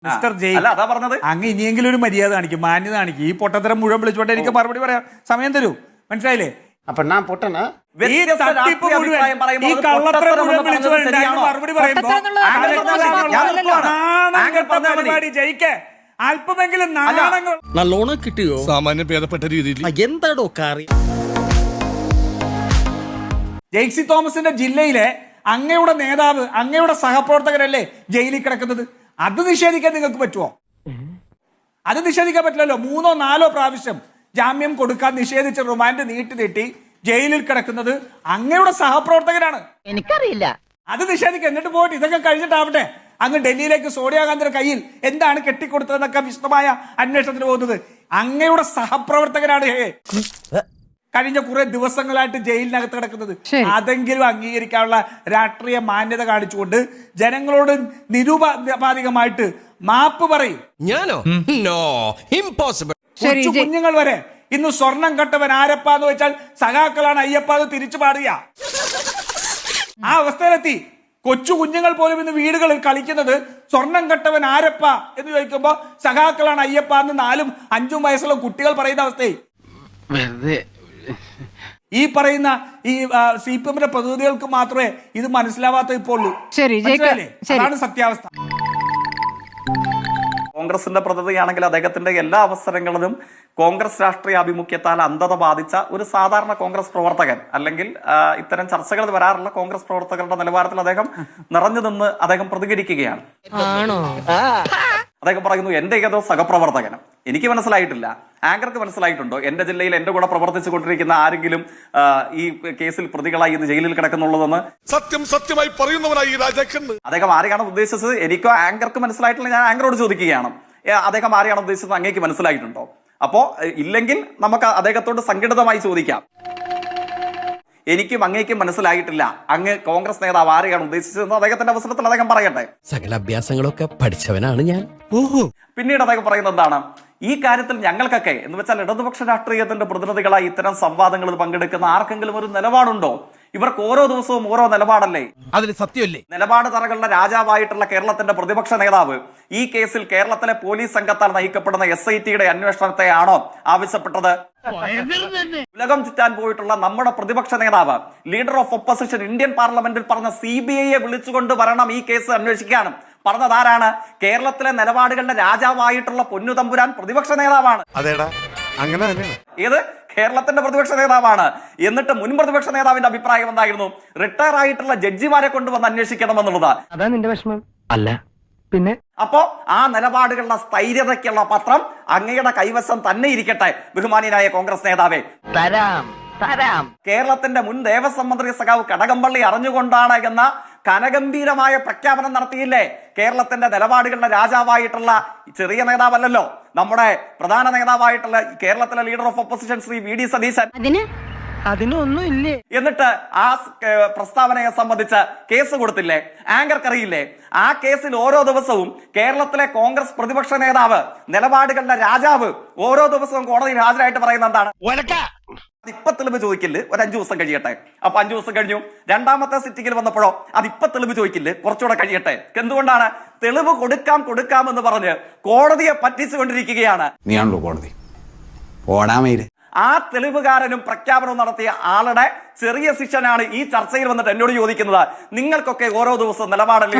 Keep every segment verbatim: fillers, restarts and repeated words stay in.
Mister ജയ് അങ്ങ് ഇനിയെങ്കിലും ഒരു മര്യാദ കാണിക്കും, മാന്യത കാണിക്കും. ഈ പൊട്ടത്തരം മുഴുവൻ വിളിച്ചോട്ടെ എനിക്ക് മറുപടി പറയാം, സമയം തരൂ. മനസ്സിലായില്ലേ? അപ്പൊ ഞാൻ പൊട്ടനാ? ഈ തട്ടിപ്പ് മുഴുവൻ, ഈ കള്ളത്തരം മുഴുവൻ വിളിച്ചോട്ടെ മറുപടി പറയുമ്പോ പരിപാടി ജയിക്കേ അല്പമെങ്കിലും നാണങ്ങൾ നല്ലോണം കിട്ടിയോ? സാമാന്യം ഭേദപ്പെട്ട രീതിയിൽ എന്താടോ കാറി. ജെയ്സി തോമസിന്റെ ജില്ലയിലെ അങ്ങയുടെ നേതാവ്, അങ്ങയുടെ സഹപ്രവർത്തകരല്ലേ ജയിലിൽ കിടക്കുന്നത്? അത് നിഷേധിക്കാൻ നിങ്ങൾക്ക് പറ്റുമോ? അത് നിഷേധിക്കാൻ പറ്റില്ലല്ലോ. മൂന്നോ നാലോ പ്രാവശ്യം ജാമ്യം കൊടുക്കാൻ നിഷേധിച്ച് റിമാൻഡ് നീട്ടി നീട്ടി ജയിലിൽ കിടക്കുന്നത് അങ്ങയുടെ സഹപ്രവർത്തകരാണ്. എനിക്കറിയില്ല. അത് നിഷേധിക്കുക. എന്നിട്ട് പോയിട്ട് ഇതൊക്കെ കഴിഞ്ഞിട്ടാവട്ടെ അങ്ങ് ഡൽഹിയിലേക്ക് സോണിയാഗാന്ധിയുടെ കയ്യിൽ എന്താണ് കെട്ടിക്കൊടുത്തതെന്നൊക്കെ വിശദമായ അന്വേഷണത്തിന് പോകുന്നത്. അങ്ങയുടെ സഹപ്രവർത്തകരാണ് കഴിഞ്ഞ കുറെ ദിവസങ്ങളായിട്ട് ജയിലിനകത്ത് കിടക്കുന്നത്. അതെങ്കിലും അംഗീകരിക്കാനുള്ള രാഷ്ട്രീയ മാന്യത കാണിച്ചുകൊണ്ട് ജനങ്ങളോട് നിരുപാധികമായിട്ട് മാപ്പ് പറയും. ഞാനോ? No, impossible. കുഞ്ഞുങ്ങൾ വരെ ഇന്ന് സ്വർണം കട്ടവൻ ആരപ്പാന്ന് വെച്ചാൽ സഖാക്കളാണ് അയ്യപ്പാന്ന് തിരിച്ചു പാടുക. ആ അവസ്ഥയിലെത്തി. കൊച്ചു കുഞ്ഞുങ്ങൾ പോലും ഇന്ന് വീടുകളിൽ കളിക്കുന്നത് സ്വർണം കട്ടവൻ ആരപ്പ എന്ന് ചോദിക്കുമ്പോ സഖാക്കളാണ് അയ്യപ്പ എന്ന് നാലും അഞ്ചും വയസ്സുള്ള കുട്ടികൾ പറയുന്ന അവസ്ഥയെ ഈ പറയുന്ന ഈ സി പി എമ്മിന്റെ പ്രതിനിധികൾക്ക് മാത്രമേ ഇത് മനസ്സിലാവാത്ത ഇപ്പോൾ ഉള്ളൂ. അതാണ് സത്യാവസ്ഥ. കോൺഗ്രസിന്റെ പ്രതിനിധിയാണെങ്കിൽ അദ്ദേഹത്തിന്റെ എല്ലാ അവസരങ്ങളിലും കോൺഗ്രസ് രാഷ്ട്രീയ ആഭിമുഖ്യത്താൽ അന്ധത ബാധിച്ച ഒരു സാധാരണ കോൺഗ്രസ് പ്രവർത്തകൻ, അല്ലെങ്കിൽ ഇത്തരം ചർച്ചകൾ വരാറുള്ള കോൺഗ്രസ് പ്രവർത്തകരുടെ നിലവാരത്തിൽ അദ്ദേഹം നിറഞ്ഞു നിന്ന് അദ്ദേഹം പ്രതികരിക്കുകയാണ്. അദ്ദേഹം പറയുന്നു എന്റെ ഏതോ സഹപ്രവർത്തകനും. എനിക്ക് മനസ്സിലായിട്ടില്ല, ആങ്കർക്ക് മനസ്സിലായിട്ടുണ്ടോ എന്റെ ജില്ലയിൽ എന്റെ കൂടെ പ്രവർത്തിച്ചു കൊണ്ടിരിക്കുന്ന ആരെങ്കിലും ഈ കേസിൽ പ്രതികളായി ഇന്ന് ജയിലിൽ കിടക്കുന്നുള്ളതെന്ന്? സത്യം സത്യമായി പറയുന്നവനായി രാജാക്കന്ന്. അദ്ദേഹം ആരെയാണ് ഉദ്ദേശിച്ചത്? എനിക്കോ ആങ്കർക്ക് മനസ്സിലായിട്ടില്ല. ഞാൻ ആങ്കറോട് ചോദിക്കുകയാണ്, അദ്ദേഹം ആരെയാണ് ഉദ്ദേശിച്ചത് അങ്ങേക്ക് മനസ്സിലായിട്ടുണ്ടോ? അപ്പോ ഇല്ലെങ്കിൽ നമുക്ക് അദ്ദേഹത്തോട് സംഘടിതമായി ചോദിക്കാം. എനിക്കും അങ്ങേക്കും മനസ്സിലായിട്ടില്ല, അങ്ങ് കോൺഗ്രസ് നേതാവ് ആരെയാണ് ഉദ്ദേശിച്ചതെന്ന് അദ്ദേഹത്തിന്റെ അവസരത്തിൽ അദ്ദേഹം പറയട്ടെ. സകല അഭ്യാസങ്ങളൊക്കെ പഠിച്ചവനാണ് ഞാൻ. പിന്നീട് അദ്ദേഹം പറയുന്നത് എന്താണ്? ഈ കാര്യത്തിൽ ഞങ്ങൾക്കൊക്കെ എന്ന് വെച്ചാൽ ഇടതുപക്ഷ രാഷ്ട്രീയത്തിന്റെ പ്രതിനിധികളായി ഇത്തരം സംവാദങ്ങളിൽ പങ്കെടുക്കുന്ന ആർക്കെങ്കിലും ഒരു നിലപാടുണ്ടോ? ഇവർക്ക് ഓരോ ദിവസവും ഓരോ നിലപാടല്ലേ? അതിന് സത്യമല്ലേ? നിലപാട് തറകളുടെ രാജാവായിട്ടുള്ള കേരളത്തിന്റെ പ്രതിപക്ഷ നേതാവ് ഈ കേസിൽ കേരളത്തിലെ പോലീസ് സംഘത്താൽ നയിക്കപ്പെടുന്ന എസ് ഐ ടിയുടെ അന്വേഷണത്തെയാണോ ആവശ്യപ്പെട്ടത്? ഉലകം ചുറ്റാൻ പോയിട്ടുള്ള നമ്മുടെ പ്രതിപക്ഷ നേതാവ്, ലീഡർ ഓഫ് ഒപ്പോസിഷൻ, ഇന്ത്യൻ പാർലമെന്റിൽ പറഞ്ഞ സി ബി ഐയെ വിളിച്ചുകൊണ്ട് വരണം ഈ കേസ് അന്വേഷിക്കാനും പറഞ്ഞതാരാണ്? കേരളത്തിലെ നിലപാടുകളുടെ രാജാവായിട്ടുള്ള പൊന്നു തമ്പുരാൻ പ്രതിപക്ഷ നേതാവാണ്. ഏത് കേരളത്തിന്റെ പ്രതിപക്ഷ നേതാവാണ്. എന്നിട്ട് മുൻ പ്രതിപക്ഷ നേതാവിന്റെ അഭിപ്രായം എന്തായിരുന്നു? റിട്ടയർ ആയിട്ടുള്ള ജഡ്ജിമാരെ കൊണ്ടുവന്ന് അന്വേഷിക്കണമെന്നുള്ളത്. അതാ നിന്റെ വിഷമം അല്ല പിന്നെ? അപ്പോ ആ നിലപാടുകളുടെ സ്ഥൈര്യതയ്ക്കുള്ള പത്രം അങ്ങയുടെ കൈവശം തന്നെ ഇരിക്കട്ടെ ബഹുമാനിയായ കോൺഗ്രസ് നേതാവേ. തരാം തരാം. കേരളത്തിന്റെ മുൻ ദേവസ്വം മന്ത്രി സഖാവ് കടകംപള്ളി അറിഞ്ഞുകൊണ്ടാണ് എന്ന കനഗംഭീരമായ പ്രഖ്യാപനം നടത്തിയില്ലേ? കേരളത്തിന്റെ നിലപാടുകളുടെ രാജാവായിട്ടുള്ള ചെറിയ നേതാവല്ലല്ലോ, നമ്മുടെ പ്രധാന നേതാവായിട്ടുള്ള കേരളത്തിലെ leader of opposition Shri V D Satheesan. അതിനൊന്നും ഇല്ലേ? എന്നിട്ട് ആ പ്രസ്താവനയെ സംബന്ധിച്ച് കേസ് കൊടുത്തില്ലേ? ആങ്കർക്കറിയില്ലേ? ആ കേസിൽ ഓരോ ദിവസവും കേരളത്തിലെ കോൺഗ്രസ് പ്രതിപക്ഷ നേതാവ്, നിലപാടുകളുടെ രാജാവ് ഓരോ ദിവസവും കോടതിയിൽ ഹാജരായിട്ട് പറയുന്ന എന്താണ്? അതിപ്പ തെളിവ് ചോദിക്കില്ലേ, ഒരു അഞ്ചു ദിവസം കഴിയട്ടെ. അപ്പൊ അഞ്ചു ദിവസം കഴിഞ്ഞു. രണ്ടാമത്തെ സിറ്റിംഗിൽ വന്നപ്പോഴോ അതിപ്പ തെളിവ് ചോദിക്കില്ലേ, കുറച്ചുകൂടെ കഴിയട്ടെ. എന്തുകൊണ്ടാണ്? തെളിവ് കൊടുക്കാം കൊടുക്കാം എന്ന് പറഞ്ഞ് കോടതിയെ പറ്റിച്ചുകൊണ്ടിരിക്കുകയാണ്. നീയാണല്ലോ കോടതി. ഓടാമയില് ആ തെളിവുകാരനും പ്രഖ്യാപനവും നടത്തിയ ആളുടെ ചെറിയ ശിഷ്യനാണ് ഈ ചർച്ചയിൽ വന്നിട്ട് എന്നോട് ചോദിക്കുന്നത് നിങ്ങൾക്കൊക്കെ ഓരോ ദിവസവും നിലപാടല്ലേ?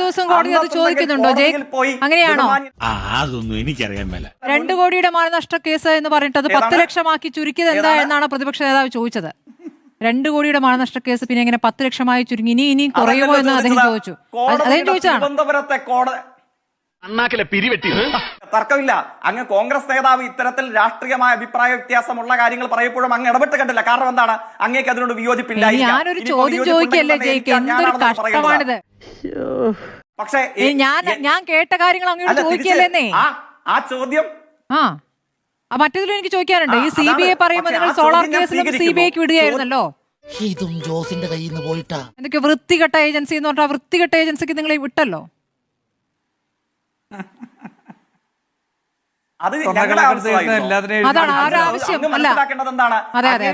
അതൊന്നും എനിക്കറിയാൻ മേല. രണ്ടു കോടിയുടെ മാനനഷ്ട കേസ് എന്ന് പറഞ്ഞിട്ട് അത് പത്ത് ലക്ഷമാക്കി ചുരുക്കിയത് എന്താ എന്നാണ് പ്രതിപക്ഷ നേതാവ് ചോദിച്ചത്. രണ്ടു കോടിയുടെ മാനനഷ്ട കേസ് പിന്നെ എങ്ങനെ പത്ത് ലക്ഷമായി ചുരുങ്ങി? ഇനി ഇനി കുറയുമോ എന്ന് അദ്ദേഹം ചോദിച്ചു. അദ്ദേഹം ചോദിച്ചാണ് തിരുവനന്തപുരത്തെ കോടതി പിരിവെട്ടി. തർക്കമില്ല. അങ്ങ് കോൺഗ്രസ് നേതാവ് ഇത്തരത്തിൽ രാഷ്ട്രീയമായ അഭിപ്രായ വ്യത്യാസമുള്ള കാര്യങ്ങൾ പറയപ്പോഴും അങ്ങ് ഇടപെട്ട് കണ്ടില്ല. കാരണം എന്താണ്? അങ്ങേക്ക് അതിനോട് വിയോജിപ്പില്ല. ഞാനൊരു ചോദ്യം ചോദിക്കല്ലേ ജയിക്ക്, എന്തൊരു കഷ്ടമാണിത്. പക്ഷേ ഞാൻ ഞാൻ കേട്ട കാര്യങ്ങൾ അങ്ങോട്ട് ചോദിക്കല്ലേ? ആ ചോദ്യം ആ മറ്റേതിലും എനിക്ക് ചോദിക്കാനുണ്ട്. ഈ സി ബി ഐ പറയുമ്പോൾ നിങ്ങൾ സോളാർ കേസിലും സി ബി ഐക്ക് വിടുകയായിരുന്നല്ലോ. ഇതും ജോസിന്റെ കയ്യിൽ നിന്ന് പോയിട്ടാ. എന്തൊക്കെ വൃത്തികെട്ട ഏജൻസി എന്ന് പറഞ്ഞാൽ വൃത്തികെട്ട ഏജൻസിക്ക് നിങ്ങൾ വിട്ടല്ലോ. അത് അതാണ് ആവശ്യം അല്ല. അതെ അതെ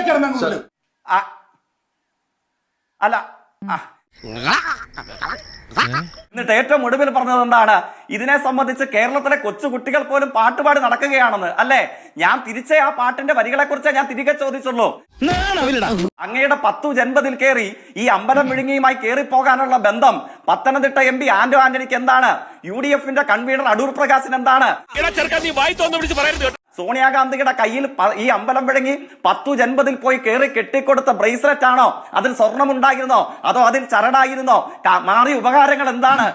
അല്ല എന്നിട്ട് ഏറ്റവും ഒടുവിൽ പറഞ്ഞത് എന്താണ്? ഇതിനെ സംബന്ധിച്ച് കേരളത്തിലെ കൊച്ചുകുട്ടികൾ പോലും പാട്ടുപാടി നടക്കുകയാണെന്ന്. അല്ലേ? ഞാൻ തിരിച്ചേ ആ പാട്ടിന്റെ വരികളെ കുറിച്ച് ഞാൻ തിരികെ ചോദിച്ചുള്ളൂ. അങ്ങയുടെ പത്തു ജൻപതിൽ കയറി ഈ അമ്പലം വിഴുങ്ങിയുമായി കയറി പോകാനുള്ള ബന്ധം പത്തനംതിട്ട എം പി ആന്റോ ആന്റണിക്ക് എന്താണ്? യു ഡി എഫിന്റെ കൺവീനർ അടൂർ പ്രകാശിന് എന്താണ്? സോണിയാഗാന്ധിയുടെ കയ്യിൽ ഈ അമ്പലം വിഴുങ്ങി പത്തു ജൻപതിൽ പോയി കയറി കെട്ടിക്കൊടുത്ത ബ്രേസ്ലെറ്റ് ആണോ? അതിൽ സ്വർണമുണ്ടായിരുന്നോ? അതോ അതിൽ ചരടായിരുന്നോ? മാറിയ ഉപകാരങ്ങൾ എന്താണ്?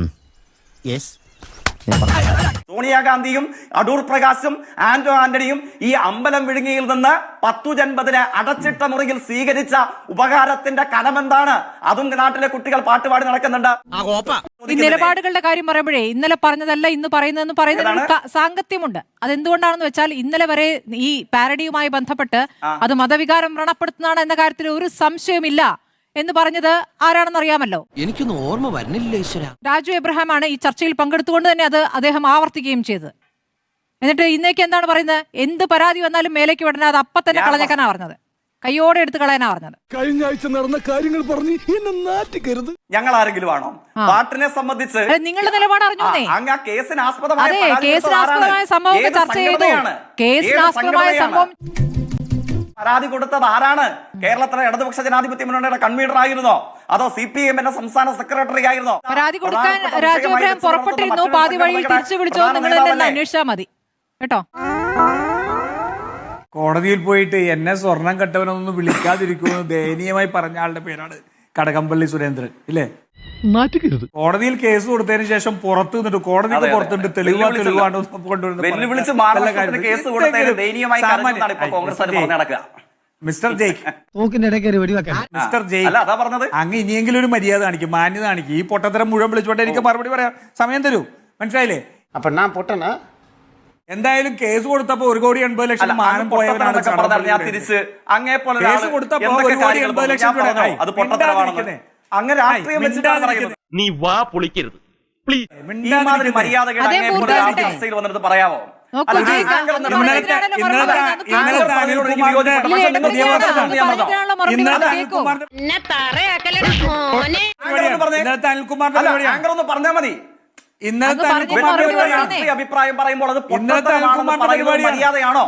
സോണിയാഗാന്ധിയും അടൂർ പ്രകാശും ആന്റോ ആന്റണിയും ഈ അമ്പലം വിഴുങ്ങിയിൽ നിന്ന് പത്തു ജൻപതിനെ അടച്ചിട്ട മുറിയിൽ സ്വീകരിച്ച ഉപകാരത്തിന്റെ കനമെന്താണ്? അതും നാട്ടിലെ കുട്ടികൾ പാട്ടുപാടി നടക്കുന്നുണ്ട്. ഈ നിലപാടുകളുടെ കാര്യം പറയുമ്പോഴേ ഇന്നലെ പറഞ്ഞതല്ല ഇന്ന് പറയുന്നതെന്ന് പറയുന്നതിന് സാങ്കത്യമുണ്ട്. അതെന്തുകൊണ്ടാണെന്ന് വെച്ചാൽ ഇന്നലെ വരെ ഈ പാരഡിയുമായി ബന്ധപ്പെട്ട് അത് മതവികാരം വ്രണപ്പെടുത്തുന്നതാണ് എന്ന കാര്യത്തിൽ ഒരു സംശയമില്ല എന്ന് പറഞ്ഞത് ആരാണെന്ന് അറിയാമല്ലോ. എനിക്കൊന്നും ഓർമ്മ വരുന്നില്ല ഈശ്വര. രാജു എബ്രഹാം ആണ് ഈ ചർച്ചയിൽ പങ്കെടുത്തുകൊണ്ട് തന്നെ അത് അദ്ദേഹം ആവർത്തിക്കുകയും ചെയ്തത്. എന്നിട്ട് ഇന്നേക്ക് എന്താണ് പറയുന്നത്? എന്ത് പരാതി വന്നാലും മേലേക്ക് വിടണ അത് അപ്പം തന്നെ കളഞ്ഞേക്കാനാ പറഞ്ഞത്. കയ്യോടെ എടുത്ത് കളയാനാ പറഞ്ഞത്. കഴിഞ്ഞ ആഴ്ച നടന്ന കാര്യങ്ങൾ പറഞ്ഞ് എന്നെ നാറ്റിക്കരുത്. ഞങ്ങൾ ആരെങ്കിലും ആണോ? പാട്ടിനെ സംബന്ധിച്ച് നിങ്ങളുടെ നിലപാട് അറിഞ്ഞൂന്നേ. അങ്ങ് കേസിന് ആസ്പദമായ അതെ, കേസിനാസ്പദമായ സംഭവം ചർച്ച ചെയ്തു. കേസിനാസ്പദമായ സംഭവം പരാതി കൊടുത്തത് ആരാണ്? കേരളത്തിലെ ഇടതുപക്ഷ ജനാധിപത്യ മുന്നണിയുടെ കൺവീനർ ആയിരുന്നോ? അതോ സി പി എമ്മിന്റെ സംസ്ഥാന സെക്രട്ടറി ആയിരുന്നോ? പരാതി കൊടുക്കാൻ രാജു എബ്രഹാം പുറപ്പെട്ടിരുന്നു. പാതി വഴിയിൽ തിരിച്ചു വിളിച്ചോ? നിങ്ങൾ തന്നെ അന്വേഷിച്ചാൽ മതി കേട്ടോ. കോടതിയിൽ പോയിട്ട് എന്നെ സ്വർണം കെട്ടവനൊന്നും വിളിക്കാതിരിക്കുമെന്ന് ദയനീയമായി പറഞ്ഞ ആളുടെ പേരാണ് കടകംപള്ളി സുരേന്ദ്രൻ. ഇല്ലേ? കോടതിയിൽ കേസ് കൊടുത്തതിന് ശേഷം പുറത്തു നിന്നിട്ട് കോടതിക്ക് പുറത്തുണ്ട് തെളിവാ തെളിവാണ് വെല്ലുവിളിച്ച് മഹാരാഷ്ട്രത്തിന് കേസ് കൊടുത്തതിന് ദയനീയമായി കരഞ്ഞെന്നാണ് ഇപ്പോൾ കോൺഗ്രസ് പറഞ്ഞു നടക്കുക. മിസ്റ്റർ ജയ്ക്ക് മിസ്റ്റർ ജയ്ക്ക് അല്ല അതാ പറഞ്ഞത്. അങ്ങ് ഇനിയെങ്കിലും ഒരു മര്യാദ കാണിക്കും, മാന്യത കാണിക്കും. ഈ പൊട്ടത്തരം മുഴുവൻ വിളിച്ചോട്ടെ എനിക്ക് മറുപടി പറയാം. സമയം തരൂ. മനസ്സിലായില്ലേ? അപ്പൊ ഞാൻ പൊട്ടനാ? എന്തായാലും കേസ് കൊടുത്തപ്പോ ഒരു കോടി എൺപത് ലക്ഷം മാനം പോയവരാണ്. ഞാൻ തിരിച്ച് അങ്ങേ പോലെ കേസ് കൊടുത്തപ്പോ ഒരു കോടി എൺപത് ലക്ഷം രൂപ അത് പൊട്ടത്തരമാണെന്ന് അങ്ങ് രാഷ്ട്രീയം വെച്ചിട്ടാണ് പറയുന്നത്. നീ വാ പൊളിക്കരുത് പ്ലീസ്. ഈ മാതിരി മര്യാദകൾ അങ്ങേ ചർച്ചയിൽ വന്നിട്ട് പറയാമോ? അനിൽകുമാറിന്റെ പറഞ്ഞാൽ മതി. ഇന്നത്തെ രാഷ്ട്രീയ അഭിപ്രായം പറയുമ്പോൾ അത് മര്യാദയാണോ?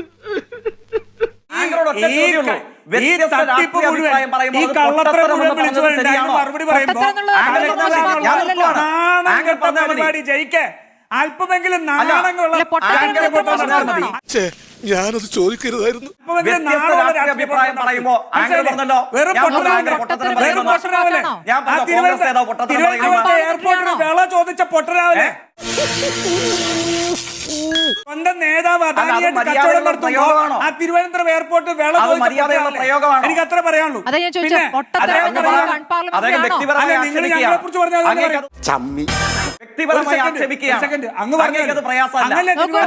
ഈ തട്ടിപ്പ് മുഴുവൻ ഈ കള്ളത്തരം മുഴുവൻ വിളിച്ചു മറുപടി പറയുമ്പോ പരിപാടി ജയിക്കേ അല്പമെങ്കിലും നാണങ്ങളുള്ള ഞാനത് ചോദിക്കരുതായിരുന്നു. അഭിപ്രായം പറയുമ്പോ എയർപോർട്ടിൽ വിള ചോദിച്ച പൊട്ടരാവനെ സ്വന്തം നേതാവ് കച്ചവടം നടത്തുമ്പോ ആ തിരുവനന്തപുരം എയർപോർട്ടിൽ വിള ചോദിച്ച എനിക്ക് അത്ര പറയാനുള്ളൂ. നിങ്ങൾ ഞങ്ങളെ കുറിച്ച് പറഞ്ഞാൽ വ്യക്തിപരമായി ആക്ഷേപിക്കുകയാണ്. അങ്ങ് പറഞ്ഞത് പ്രയാസമല്ല.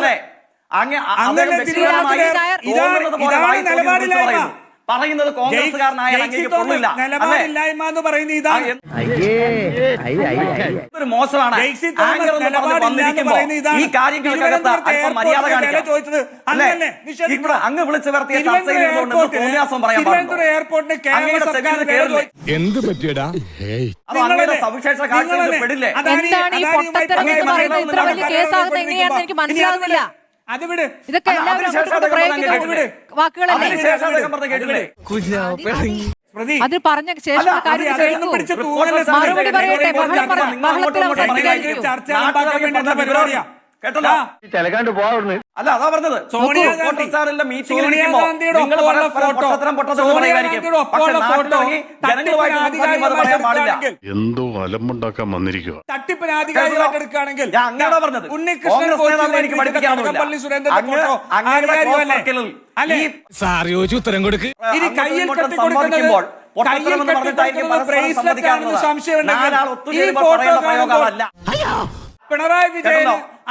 പറയുന്നത് കോൺഗ്രസ്സുകാരനായ നിലപാടില്ലായ്മ എന്ന് പറയുന്ന ഇതാണ് ഒരു മോശമാണ്. ഈ കാര്യങ്ങൾക്കകത്ത് അല്പം മര്യാദ കാണിക്കണം. അങ്ങ് വിളിച്ചു വരുത്തിയ ചർച്ചയിൽ തോന്നിയാസം പറയാൻ എന്ത് പറ്റിയടാ? അത് അങ്ങയുടെ സവിശേഷ കാഴ്ചയിൽ പെടില്ലേ? മനസ്സിലാവുന്നില്ല. അത് വിട്. ഇതൊക്കെ വാക്കുകളല്ലേ? അത് പറഞ്ഞ ശേഷം മറുപടി പറയട്ടെ. ബഹളത്തിൽ അവസാനിപ്പിക്കാതിരിക്കൂ. പരിപാടിയാ കേട്ടല്ലോ. അല്ല അതാ പറഞ്ഞത്. എന്തോ അലമ്പുണ്ടാക്കാൻ വന്നിരിക്കുക. തട്ടിപ്പിന് ആധികാരികമായിട്ട് എടുക്കുകയാണെങ്കിൽ ഉത്തരം കൊടുക്ക്. ഇനി കയ്യിൽ കെട്ടിക്കൊടുക്കുമ്പോൾ പിണറായി വിജയൻ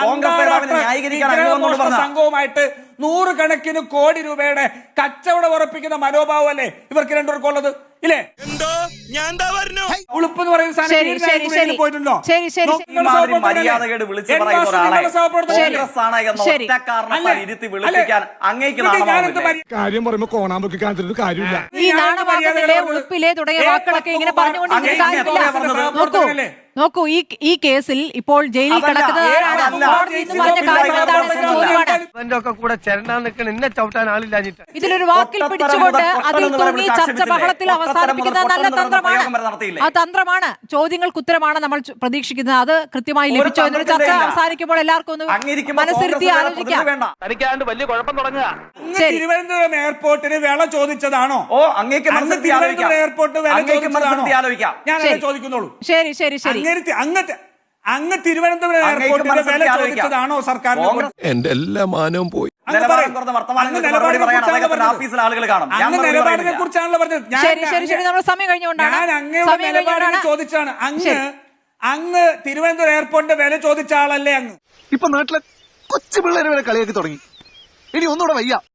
സംഘവുമായിട്ട് നൂറുകണക്കിന് കോടി രൂപയുടെ കച്ചവടം ഉറപ്പിക്കുന്ന മനോഭാവം അല്ലേ ഇവർക്ക് രണ്ടുപേർക്കുള്ളത്? ഇല്ലേ? ഞാൻ എന്താ പറഞ്ഞു ഉളുപ്പ് എന്ന് പറയുന്ന സാധനം ശരി, ഈ ശരി, രാജ്യത്ത് ശരി. പോയിട്ടുണ്ടോ? ശരി, ശരി, നോ- ശരി. ഈ നിങ്ങൾ മാതിരി സഹപ്രവർത്തകരല്ലേ? മര്യാദകേട് വിളിച്ചു എൻ പറയുന്ന മാസ്റ്റർ ഒരാളെ നിങ്ങളുടെ സഹപ്രവർത്തകരല്ലേ? കോൺഗ്രസ് ആണ് എന്ന ശരി. ഒറ്റ കാരണത്താൽ അല്ലേ? ഇരുത്തി വിളിപ്പിക്കാൻ അങ്ങേക്ക് ഇത് ഞാനെന്ത് നാണമാവില്ലേ? മര്യ- കാര്യം പറയുമ്പോ കോണാമ്പൊക്കെ കാണിച്ചിട്ട് കാര്യമില്ല ഈ നാണമാകുന്നില്ലേ ഉളുപ്പിലെ തുടങ്ങിയ ഏ, വാക്കുകളൊക്കെ ഇങ്ങനെ പത്ത് പറഞ്ഞുകൊണ്ടിരിക്കുന്ന അങ്ങേക്ക് കാര്യമില്ല. എത്രയാ പറഞ്ഞത്? നോക്കൂ നോക്കൂ ഈ ഈ കേസിൽ ഇപ്പോൾ ജയിലിൽ അതല്ല, കിടക്കുന്നത് ഏ, ആരാണ്? അതല്ല. കോടതി എന്ന് പറഞ്ഞ ഇതിലൊന്നും കാര്യം ഇല്ല, എന്താണെന്ന ഇതൊന്നും ചോദ്യമാണ്. ഇവന്റെ ഒക്കെ കൂടെ ചേരണ്ടാൻ നിൽക്കണ എന്നെ ചവിട്ടാൻ ആളില്ലാഞ്ഞിട്ട് ഇതിലൊരു വാക്കിൽ പൊട്ടത്തരം പിടിച്ചുകൊണ്ട് മുതൽ അതിൽ പൊട്ടൻ തൂങ്ങി എന്ന് ചർച്ച വിളിച്ച് ബഹളത്തിൽ ആക്ഷേപിച്ചില്ലേ? അവസാനിപ്പിക്കുന്ന പൊട്ടത്തരം നല്ല മുതൽ തന്ത്രമാണ്. പ്രയോഗം വരെ നടത്തിയില്ലേ? ആ തന്ത്രമാണ്. ചോദ്യങ്ങൾക്ക് ഉത്തരമാണ് നമ്മൾ ചു- പ്രതീക്ഷിക്കുന്നത്. അത് കൃത്യമായി ഒരു ലഭിച്ചോ എന്നൊരു ചർച്ച തന്ത്രത്തിന്റെ ഇല്ല. അവസാനിക്കുമ്പോൾ എല്ലാവർക്കും ഒന്ന് അങ്ങിരിക്കുമ്പോ മനസ്സിരുത്തി കോൺഗ്രസ് ആലോചിക്കാം. വേണ്ട. തനിക്കാണ്ട് വലിയ കുഴപ്പം തുടങ്ങുക അങ്ങ് ശരി. തിരുവനന്തപുരം എയർപോർട്ടിന് വില ചോദിച്ചതാണോ? ഓ അങ്ങേക്ക് അങ്ങ് മനസ്സിരുത്തി ആലോചിക്കാം. തിരുവനന്തപുരം എയർപോർട്ട് വില അങ്ങേക്ക് ചോദിച്ചതാണോ? മനസ്സിരുത്തി ആലോചിക്കാം. ഞാനല്ലേ ശരി. ചോദിക്കുന്നുള്ളൂ. ശരി ശരി ശരി അങ്ങേര് അങ്ങ് അങ്ങ് തിരുവനന്തപുരം അങ്ങേക്ക് എയർപോർട്ടിന്റെ വില മനസ്സിരുത്തി ആലോചിക്കാം. ചോദിച്ചതാണോ സർക്കാർ? കോൺഗ്രസ് എന്റെ എല്ലാ മാനവും പോയി നിലവാരം കുറഞ്ഞ വർത്തമാനങ്ങൾക്ക് മറുപടി പറയാൻ അദ്ദേഹത്തിന്റെ ഓഫീസിൽ ആളുകൾ കാണും. ഞാൻ അങ്ങ് മറുപടി നിലപാടിനെ പറയുന്നില്ല. കുറിച്ചാണല്ലോ പറഞ്ഞത്. ഞാൻ- ശരി ശരി ശരി നമ്മുടെ സമയം കഴിഞ്ഞുകൊണ്ടാണ് ഞാൻ അങ്ങയുടെ സമയം നിലപാടിനെ കഴിഞ്ഞുകൊണ്ടാണ് ചോദിച്ചാണ്. അങ്ങ് ശരി. അങ്ങ് തിരുവനന്തപുരം എയർപോർട്ടിന്റെ വില ചോദിച്ച ആളല്ലേ അങ്ങ്? ഇപ്പൊ നാട്ടിലെ കൊച്ചു പിള്ളേരെ വരെ കളിയാക്കി തുടങ്ങി. ഇനി ഒന്നുകൂടെ വയ്യ.